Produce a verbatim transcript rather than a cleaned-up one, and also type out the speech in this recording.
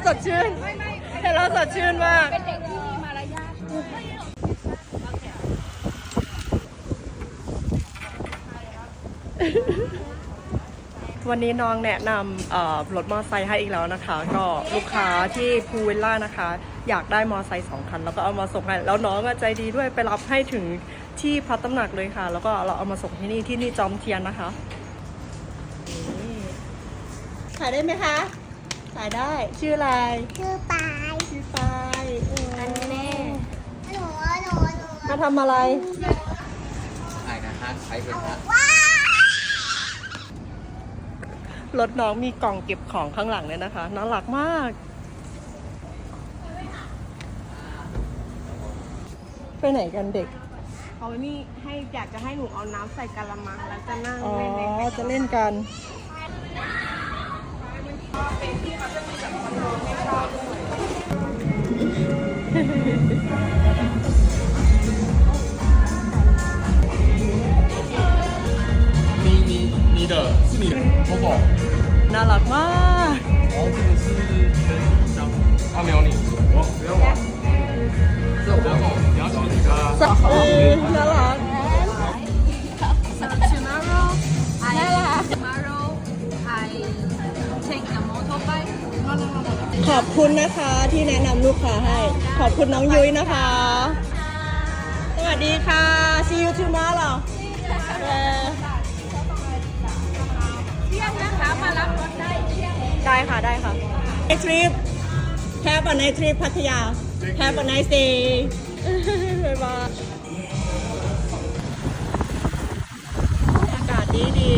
สดชื่นเห็นเราสดชื่นมากเป็นเด็กที่มีมารยาทวันนี้น้องแนะนำรถมอเตอร์ไซค์ให้อีกแล้วนะคะก็ลูกค้าที่พูวิลล่านะคะอยากได้มอเตอร์ไซค์สองคันแล้วก็เอามาส่งให้แล้วน้องใจดีด้วยไปรับให้ถึงที่พักตำหนักเลยค่ะแล้วก็เราเอามาส่งที่นี่ที่นี่จอมเทียนนะคะขายได้ไหมคะขายได้ชื่ออะไรชื่อปายชื่อปายอันแม่หนูหนูหนูมาทำอะไรขายนะฮะใช้เป็นฮะรถน้องมีกล่องเก็บของข้างหลังเลยนะคะน่ารักมากไปไหนกันเด็กเขานี่ให้อยากจะให้หนูเอาน้ำใส่กะละมังแล้วจะนั่งอ๋อเล่นในจะเล่นกัน你你你的是你的 Coco น่ารักมาก然后这个是跟香他没有你我不要玩这我不要动你要找你的เออน่ารัก tomorrow I tomorrow I take the motorbike ขอบคุณนะคะที่แนะนำลูกค้าให้ขอบคุณน้องยุ้ยนะคะสวัสดีค่ะ see you tomorrow เที่ยงนะคะมารับรถได้เที่ยงได้ค่ะได้ค่ะ Nice trip Have a nice trip พัทยา Have a nice day บ๊ายบายอากาศดีดี